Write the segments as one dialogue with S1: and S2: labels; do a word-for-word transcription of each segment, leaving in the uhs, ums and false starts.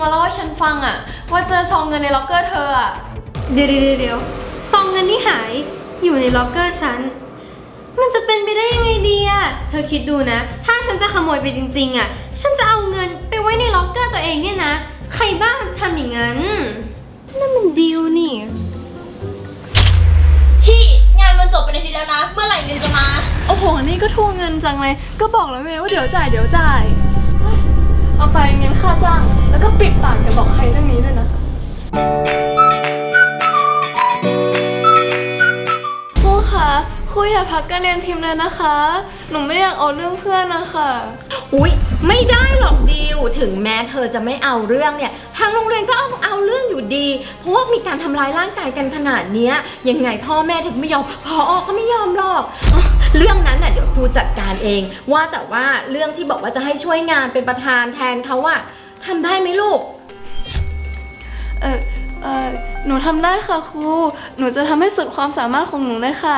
S1: มาเล่าให้ฉันฟังอะว่าเจอซองเงินในล็อกเกอร์เธออะ
S2: เดี๋ยวเดี๋ยวเดี๋ยวซองเงินที่หายอยู่ในล็อกเกอร์ฉันมันจะเป็นไปได้ยังไงดีอะเธอคิดดูนะถ้าฉันจะขโมยไปจริงๆอะฉันจะเอาเงินไปไว้ในล็อกเกอร์ตัวเองเนี่ยนะใครบ้ามันจะทำอย่างนั้นนั่นมันดิวนี่
S1: พี่งานมันจบไปในทีแล้วนะเมื่อไหร่เงินจะมา
S3: โอ้โหนี่ก็ทวงเงินจังเลยก็บอกแล้วไงว่าเดี๋ยวจ่ายเดี๋ยวจ่ายเอาไปเงินค่าจ้างแล้วก็ปิดปากอย่าบอกใครเรื่องนี้ด้วยนะครูคะครูอย่าพักการเรียนพิมพ์เลยนะคะหนูไม่อยากเอาเรื่องเพื่อนนะคะ
S4: อุ๊ยไม่ได้หรอกดิวถึงแม้เธอจะไม่เอาเรื่องเนี่ยทางโรงเรียนก็เอาเอาเรื่องอยู่ดีเพราะว่ามีการทำร้ายร่างกายกันขนาดนี้ยังไงพ่อแม่ถึงไม่ยอมพอก็ไม่ยอมหรอกเรื่องนั้นน่ะเดี๋ยวครูจัดการเองว่าแต่ว่าเรื่องที่บอกว่าจะให้ช่วยงานเป็นประธานแทนเขาอะทำได้ไหมลูก
S3: เออเออหนูทำได้ค่ะครูหนูจะทำให้สุดความสามารถของหนูเลยค่ะ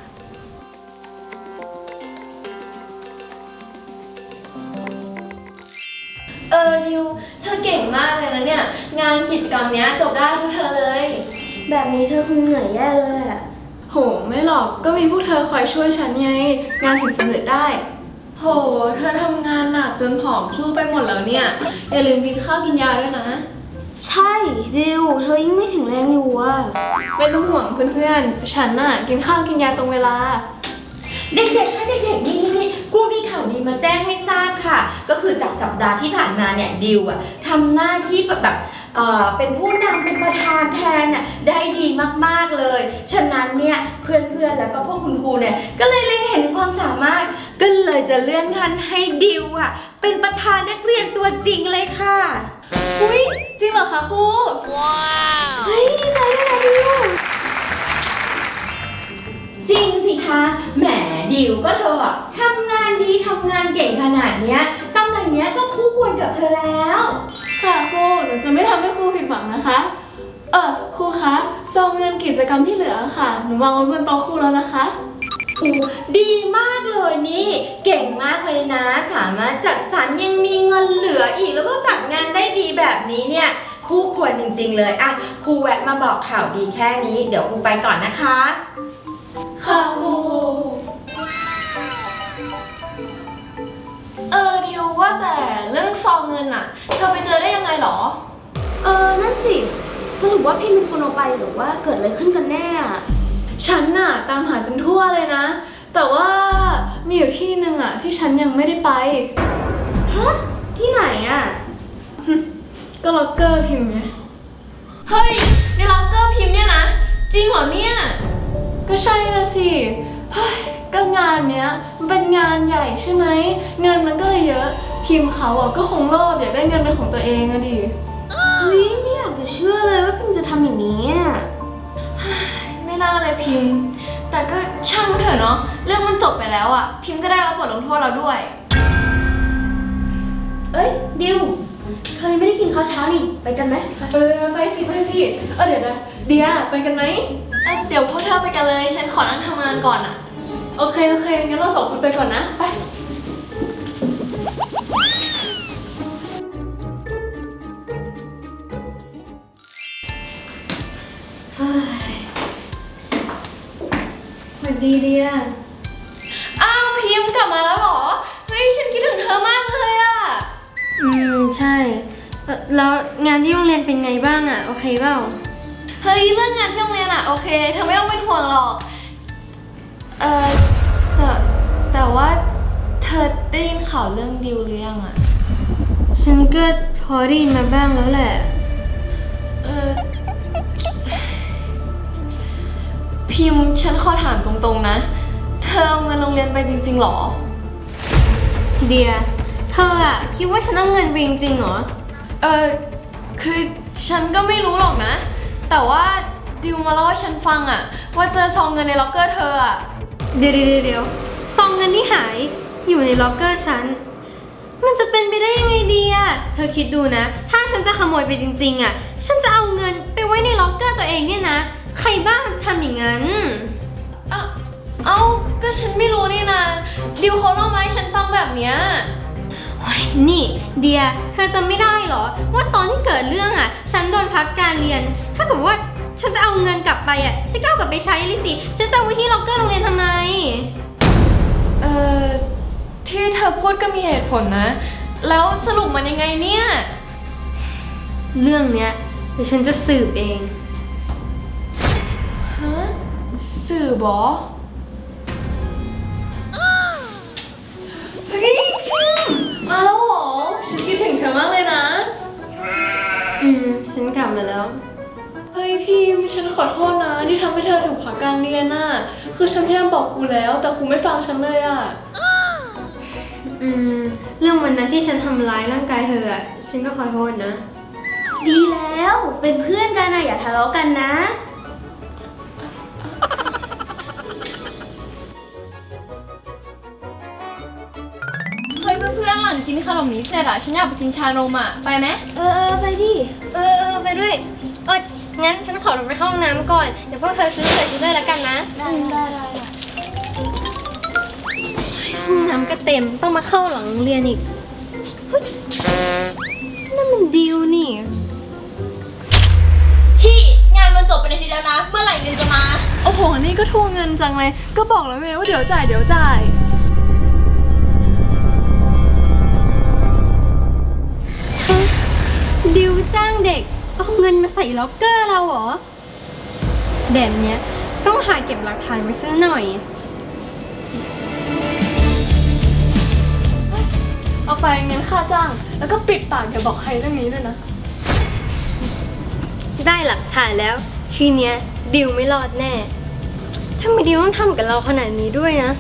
S1: เออดิวเธอเก่งมากเลยนะเนี่ยงานกิจกรรมเนี้ยจบได้ทุกเธอเลย
S2: แบบนี้เธอคงเหนื่อยแย่เลยอะ
S3: โหไม่หรอกก็มีพวกเธอคอยช่วยฉันไงงานถึงสำเร็จได้
S1: โหเธอทำงานหนักจนผอมสู้ไปหมดแล้วเนี่ยอย่าลืมกินข้าวกินยาด้วยนะ
S2: ใช่ดิวเธอยิ่งไม่ถึงแรงอยู่อะ
S3: ไม่ต้องห่วงเพื่อนๆฉันน่ะกินข้าวกินยาตรงเวลา
S4: เด็กๆค่ะเด็กๆนี่นี่ครูมีข่าวดีมาแจ้งให้ทราบค่ะก็คือจากสัปดาห์ที่ผ่านมาเนี่ยดิวอะทำหน้าที่แบบแบบเอ่อเป็นผู้นำเป็นประธานแทนน่ะได้ดีมากๆเลยฉะนั้นเนี่ยเพื่อนๆแล้วก็พวกคุณครูเนี่ยก็เลยเล็งเห็นความสามารถก็เลยจะเลื่อนขั้นให้ดิวอะเป็นประธานนักเรียนตัวจริงเลยค่ะ
S3: อุ้ยจริงเหรอคะครูว้าวเฮ้ยดีใจด้วยนะดิว
S4: จริงสิคะแหมดิวก็เธออะทำงานดีทำงานเก่งขนาดเนี้ยตำแหน่งเนี้ยก็คู่ควรกับเธอแล้ว
S3: ค่ะครูหนูจะไม่ทำให้ครูผิดหวังนะคะเออครูคะซองเงินกิจกรรมที่เหลือค่ะหนูวางไว้บนโต๊ะครูแล้วนะคะ
S4: อู้ดีมากเลยนี่เก่งมากเลยนะสามารถจัดสรรยังมีเงินเหลืออีกแล้วก็จัดงานได้ดีแบบนี้เนี่ยคู่ควรจริงๆเลยอ่ะครูแวะมาบอกข่าวดีแค่นี้เดี๋ยวครูไปก่อนนะคะ
S3: ค่ะครู
S1: เออดิวว่าแต่เรื่องซองเงินอะเธอไปเจอได้ยังไงหรอ
S2: เออนั่นสิสรุปว่าพี่เป็นคนเอาไปหรือว่าเกิดอะไรขึ้นกันแน่อะ
S3: ฉันน่ะตามหาจนทั่วเลยนะแต่ว่ามีอยู่ที่หนึ่งอะที่ฉันยังไม่ได้ไป
S2: ฮะที่ไหนอะ
S3: ก็ล็อกเกอร์พิมพ์ไง
S1: เฮ้ยในล็อกเกอร์พิมพ์เนี่ยนะจริงเหรอเนี่ย
S3: ก็ใช่นะสิเฮ้ยก็งานเนี้ยมันเป็นงานใหญ่ใช่ไหมเงินมันก็เลยเยอะพิมพ์เขาอ่ะก็คงโลภอยากได้เงินเป็นของตัวเองอะดิ
S2: เฮ้ยไม่อยากจะเชื่อเลยว่าพิมจะทำอย่างนี้อ่ะ
S1: ไม่น่าเลยพิมพ์แต่ก็ช่างเถอะเนาะเรื่องมันจบไปแล้วอะพิมพ์ก็ได้รับบทลงโทษเราด้วย
S2: เอ้ยดิวเธอยังไม่ได้กินข้าวเช้านี่ไปกันไหม
S3: เออไปสิไปสิเออเดี๋ยวนะเดียไปกันไหม
S1: เออเดี๋ยวพวกเธอไปกันเลยฉันขอนั่งทำงานก่อนอะ
S3: โอเคโอเคงั้นเราสองคนไปก่อนนะไป
S2: สวัสดีเดีย
S1: อ้าวพิมพ์กลับมาแล้วเหรอเฮ้ยฉันคิดถึงเธอมากเลยอะ
S2: อืมใช่แล้วงานที่โรงเรียนเป็นไงบ้างอะโอเคเปล่า
S1: เฮ้ยเรื่องงานที่โรงเรียนอะโอเคเธอไม่ต้องเป็นห่วงหรอกเออแต่แต่ว่าเธอได้ยินข่าวเรื่องดิวหรือยังอะ
S2: ฉันก็พอได้ยินมาบ้างแล้วแหละ
S1: เออพิมพ์ฉันขอถามตรงๆนะเธอเอาเงินโรงเรียนไปจริงๆหรอ
S2: เดียเธออะคิดว่าฉันเอาเงินไปจริงๆเหรอ
S1: เออคือฉันก็ไม่รู้หรอกนะแต่ว่าดิวมาเล่าให้ฉันฟังอะว่าเจอซองเงินในล็อกเกอร์เธออะ
S2: เดี๋ยวเดี๋ยวเดี๋ยวซองเงินที่หายอยู่ในล็อกเกอร์ฉันมันจะเป็นไปได้ยังไงดีอะเธอคิดดูนะถ้าฉันจะขโมยไปจริงๆอะฉันจะเอาเงินไปไว้ในล็อกเกอร์ตัวเองเนี่ยนะใครบ้ามันจะทำอย่างนั้น
S1: เอ้าเอ้าก็ฉันไม่รู้นี่นะดิวเขาเล่ามาให้ฉันฟังแบบเนี้ย
S2: โนี่เดียเธอจำไม่ได้เหรอว่าตอนที่เกิดเรื่องอ่ะฉันโดนพักการเรียนถ้าเกิดว่าฉันจะเอาเงินกลับไปอ่ะฉันก็เอากลับไปใช้เลยสิฉันจะเอาไว้ที่ล็อกเกอร์โรงเรียนทำไม
S1: เอ่อ ที่เธอพูดก็มีเหตุผลนะ แล้วสรุปมันยังไงเนี่ย
S2: เรื่องเนี้ยเดี๋ยวฉันจะสืบเอง
S1: ฮะ สื่อบอ
S3: เฮ้ยพิมมาแล้วเหรอ ฉันคิดถึงเธอมากเลยนะ
S2: อืมฉันกลับมาแล้ว
S3: เฮ้ยพิมฉันขอโทษนะที่ทำให้เธอถูกพักการเรียนน่ะ คือฉันพยายามบอกครูแล้ว แต่ครูไม่ฟังฉันเลยอ่ะ
S2: อืมเรื่องวันนั้นที่ฉันทำร้ายร่างกายเธออ่ะฉันก็ขอโทษนะ
S5: ดีแล้วเป็นเพื่อนกันนะอย่าทะเลาะกันนะ
S1: เฮ้ยเพื่อนๆหลังกินขนมนี้เสร็จอะฉันอยากไปกินชานมอะไปไหม
S5: เออเออไปดิ
S2: เออเออไปด้วย เอองั้นฉันขอลงไปเข้าห้องน้ำก่อน เดี๋ยวพวกเธอซื้อใส่ชุดเลยแล้วกันนะ
S5: ได้ได้ได้
S2: ห้องน้ำก็เต็มต้องมาเข้าหลังโรงเรียนอีกเฮ้ยนั่นมันดิวนี่
S5: พี่งานมันจบไปในทีแล้วนะ เมื่อไหร่เงินจะมา
S3: โอ้โห นี่ก็ทวงเงินจังเลย ก็บอกแล้วไงว่าเดี๋ยวจ่ายเดี๋ยวจ่าย
S2: ดิวจ้างเด็กเอาเงินมาใส่ล็อกเกอร์เราเหรอแบบเนี้ยต้องหาเก็บหลักฐานไว้สักหน่อย
S3: เอาไปเงินค่าจ้าง แล้วก็ปิดปากอย่าบอกใครเรื่องนี้ด้วยนะ
S2: ได้หลักฐานแล้วทีเนี้ยดิวไม่รอดแน่ทำไมดิวต้องทำกับเราขนาดนี้ด้วยนะ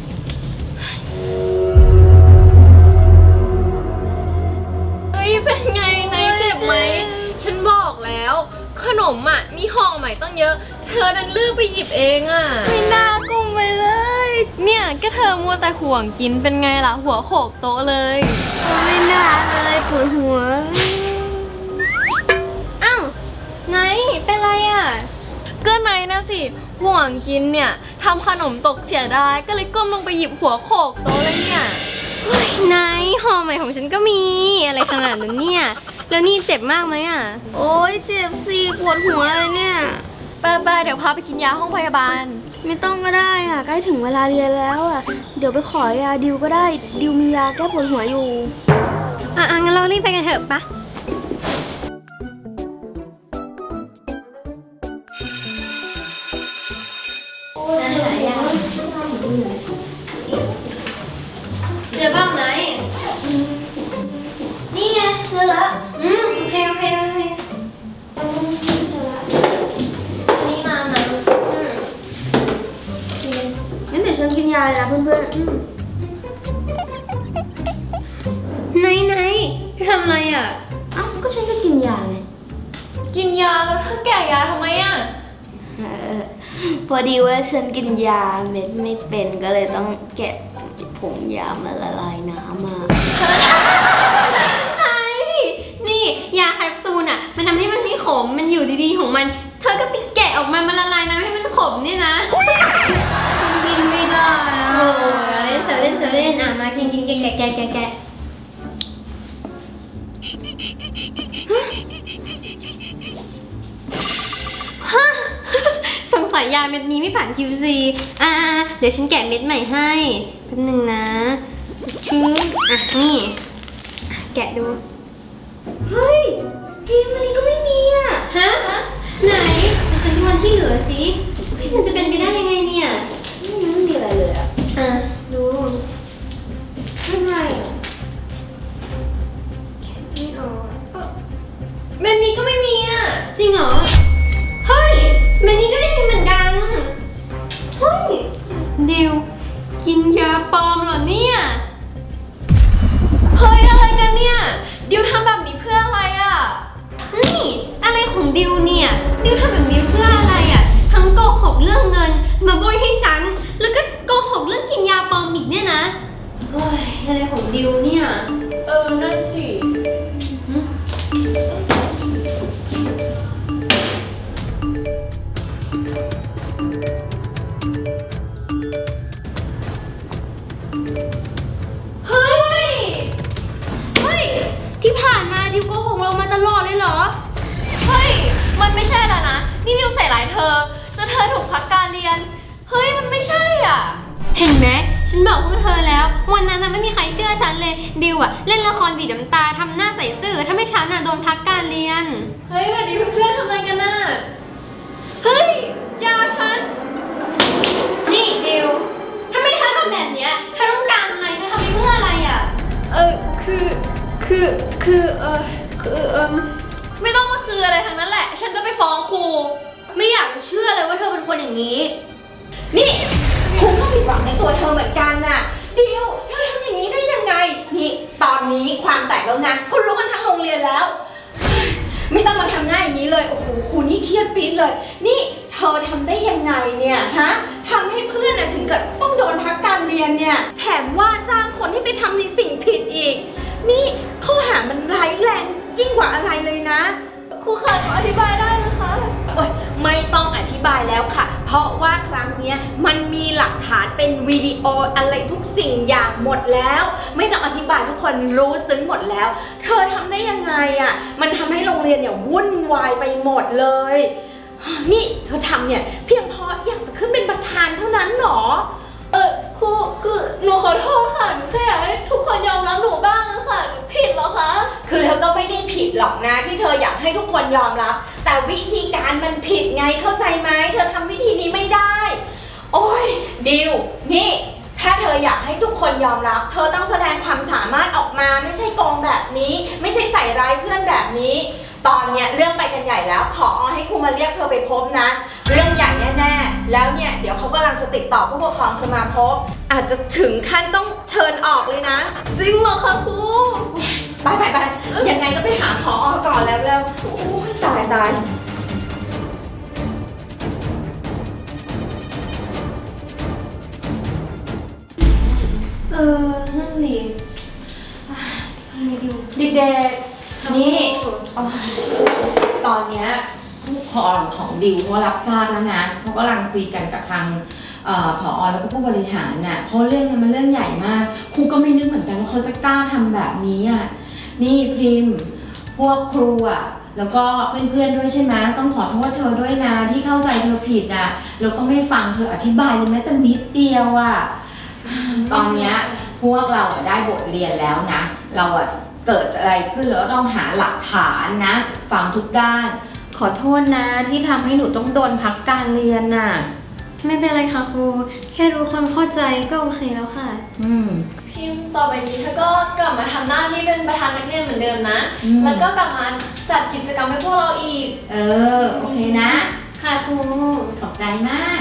S1: เฮ้ย เป็นไงนายเจ็บไหม ฉันบอกแล้ว ขนมอะมีห่อใหม่ต้องเยอะ เธอดันเลือกไปหยิบเองอะ
S5: ไม่น่ากุ้งไปเลย
S1: เนี่ยก็เธอมัวแต่ห่วงกินเป็นไงล่ะ หัวโขกโต๊ะเลย
S5: ไม่น่าเลยปวดหัว
S2: อ้าวไหนเป็นไรอ่ะ
S1: ก็นายนะสิ ห่วงกินเนี่ยทำขนมตกเสียดายก็เลยก้มลงไปหยิบหัวโขกโต๊ะเลยเนี่ย
S2: เฮ้ยไหนห่อใหม่ของฉันก็มีอะไรขนาดนั้นเนี่ย แล้วนี่เจ็บมากไหมอ่ะ
S5: โอ๊ยเจ็บสิปวดหัวเลยเนี่ย
S1: ไปไปเดี๋ยวพาไปกินยาห้องพยาบาล
S5: ไม่ต้องก็ได้อ่ะใกล้ถึงเวลาเรียนแล้วอ่ะ เดี๋ยวไปขอยาดิวก็ได้ ดิวมียาแก้ปวดหัวอยู่
S2: อ่ะอ่ะงั้นเรารีบไปกันเถอะปะเจอบ้างไหน
S5: นี่ไงเจอละ
S2: อืมโอเคโอเคโอเค
S5: นี่มานะ
S2: อืม
S5: งั้นเดี๋ยวฉันกินยาเลยนะเพื่อนๆอืม
S2: ไหนไหนทำอะไรอ่ะ
S5: เอ้าก็ฉันก็กินยาไง
S1: กินยาแล้วเธอแก่ยาทำไมอะ
S5: เออพอดีว่าฉันกินยาเม็ดไม่เป็นก็เลยต้องแกะผงยามาละลายน้ำมา
S2: ไหนนี่ยาแคปซูลอ่ะ มันทำให้มันไม่ขม มันอยู่ดีๆของมัน เธอก็ไปแกะออกมามันละลายน้ำให้มันขมเนี่ยนะ
S5: ฉันกินไม่ได้อะ
S2: โอ้เล่นเสือเล่นเสือเล่นอ่ะมากินกินแกะแกะแกะแกะแกะฮะ สงสัยยาเม็ดนี้ไม่ผ่าน คิว ซี อ่าเดี๋ยวฉันแกะเม็ดใหม่ให้แป๊บนึงนะชื้ออ่ะนี่อ่ะแกะดู
S5: เฮ้ยพิมพ์อันนี้ก็ไม่มีอ่ะ
S2: ฮะ ไหนเดี๋ยวฉันดูวันที่เหลือสิเฮ้ยมันจะเป็นไปได้ยังไงเนี่ย
S5: ไม่มีอะไรเลยอ่ะ
S2: อ่ะดู
S5: ไม่ไงอ่ะ
S2: ไม่ออก
S1: เมนนี้ก็ไม่มีอะ
S2: จริงเหรอ เฮ้ยเมนนี้ก็ไม่มีเหมือนกัน เฮ้ย ดิว กินยาปลอมเหรอเนี่ย
S1: เฮ้ยอะไรกันเนี่ยดิวทำแบบนี้เพื่ออะไรอะ
S2: นี่อะไรของดิวเนี่ย ดิวทำแบบนี้เพื่ออะไรอ่ะ ทั้งโกหกเรื่องเงิน มาโบยให้ฉัน แล้วก็โกหกเรื่องกินยาปลอมอีกเนี่ยนะเฮ้ยอะไรของดิวเนี่ย
S1: เออนั่นสิ
S2: เฮ้ยเลยเหรอ
S1: เฮ้ย มันไม่ใช่แล้วนะ นี่ดิวใส่ร้ายเธอจนเธอถูกพักการเรียน เฮ้ย มันไม่ใช่อ่ะ
S2: เห็นไหมฉันบอกพวกเธอแล้ววันนั้นน่ะไม่มีใครเชื่อฉันเลยดิวอะเล่นละครบีบน้ำตาทำหน้าใสซื่อถ้าไม่ฉันอะโดนพักการเรียน
S1: เฮ้ยแบบนี้เพื่อนๆทำไมกันน่ะ เฮ้ย ยาฉัน
S2: นี่ดิวถ้าไม่เธอทำแบบเนี้ยเธอต้องการอะไรเธอทำไปเพื่ออะไรอะ
S1: เออ คือ คือ คือ เออคือเออไม่ต้องมาคืออะไรทั้งนั้นแหละ ฉันจะไปฟ้องครู
S2: ไม่อยากจะเชื่อเลยว่าเธอเป็นคนอย่างนี้
S4: นี่คุณก็ผิดหวังในตัวเธอเหมือนกันน่ะเดียวเธอทำอย่างนี้ได้ยังไงนี่ตอนนี้ความแตกแล้วนะคุณรู้กันทั้งโรงเรียนแล้ว ไม่ต้องมาทำหน้าอย่างนี้เลยโอ้โหครูนี่เครียดปี๊ดเลย นี่เธอทำได้ยังไงเนี่ยฮะทำให้เพื่อนน่ะถึงกับต้องโดนพักการเรียนเนี่ยแถมว่าจ้างคนที่ไปทำในสิ่งผิดอีก นี่ข้อหามันร้ายแรงยิ่งกว่าอะไรเลยนะ
S1: ครูคะหนูอธิบายได้นะคะ
S4: โอ๊ยไม่ต้องอธิบายแล้วค่ะ เพราะว่าครั้งเนี้ยมันมีหลักฐานเป็นวิดีโออะไรทุกสิ่งอย่างหมดแล้ว ไม่ต้องอธิบายทุกคนรู้ซึ้งหมดแล้ว เธอทำได้ยังไงอะ่ะ มันทำให้โรงเรียนเนี่ยวุ่นวายไปหมดเลย นี่เธอทำเนี่ยเพียงเพราะอยากจะขึ้นเป็นประธานเท่านั้นหรอ
S1: เออครูคือหนูขอโทษค่ะ หนูแค่อยากให้ทุกคนยอมรับหนูบ้างอะค่ะหนูผิดเหรอคะ
S4: คือเธอก็ไม่ได้ผิดหรอกนะที่เธออยากให้ทุกคนยอมรับ แต่วิธีการมันผิดไงเข้าใจไหมเธอทำวิธีนี้ไม่ได้ โอ้ยดิวนี่ถ้าเธออยากให้ทุกคนยอมรับ เธอต้องแสดงความสามารถออกมาไม่ใช่โกงแบบนี้ ไม่ใช่ใส่ร้ายเพื่อนแบบนี้ ตอนเนี้ยเรื่องไปกันใหญ่แล้วขอให้ครูมาเรียกเธอไปพบนะ เรื่องใหญ่แน่ๆแล้วเนี่ยเดี๋ยวเขากำลังจะติดต่อผู้ปกครองเธอมาพบ อาจจะถึงขั้นต้องเชิญออกเลยนะ
S1: จริงเหรอคะครู
S4: ไปไปไปยังไงก็ไปหาพอก่อนแล้วเร็วโอ้ยตายตาย
S2: เออ นั่นดิทำไงดีวะ
S4: เด็กๆนี่โอ๊ยตอนเนี้ยผู้ปกครองของดิวเขารับทราบแล้วนะเขากำลังคุยกันกับทางเอ่อผอแล้วก็ผู้บริหารน่ะเพราะเรื่องนี้มันเรื่องใหญ่มากครูก็ไม่นึกเหมือนกันว่าเขาจะกล้าทำแบบนี้อ่ะนี่พริมพวกครูอ่ะแล้วก็เพื่อนๆด้วยใช่ไหมต้องขอโทษเธอด้วยนะที่เข้าใจเธอผิดอ่ะแล้วก็ไม่ฟังเธออธิบายเลยแม้แต่นิดเดียวอ่ะตอนเนี้ยพวกเราอะได้บทเรียนแล้วนะเราอ่ะเกิดอะไรขึ้นแล้วก็ต้องหาหลักฐานนะฟังทุกด้านขอโทษนะที่ทำให้หนูต้องโดนพักการเรียนน่ะ
S2: ไม่เป็นไรค่ะครู แค่รู้ความเข้าใจก็โอเคแล้วค่ะ
S4: อืม
S1: พิมพ์ต่อไปนี้เธอก็กลับมาทำหน้าที่เป็นประธานนักเรียนเหมือนเดิมนะ
S4: อืม
S1: แล้วก็กลับมาจัดกิจกรรมให้พวกเราอีก
S4: เออ โอเคนะ
S2: ค่ะครู
S4: ขอบใจมาก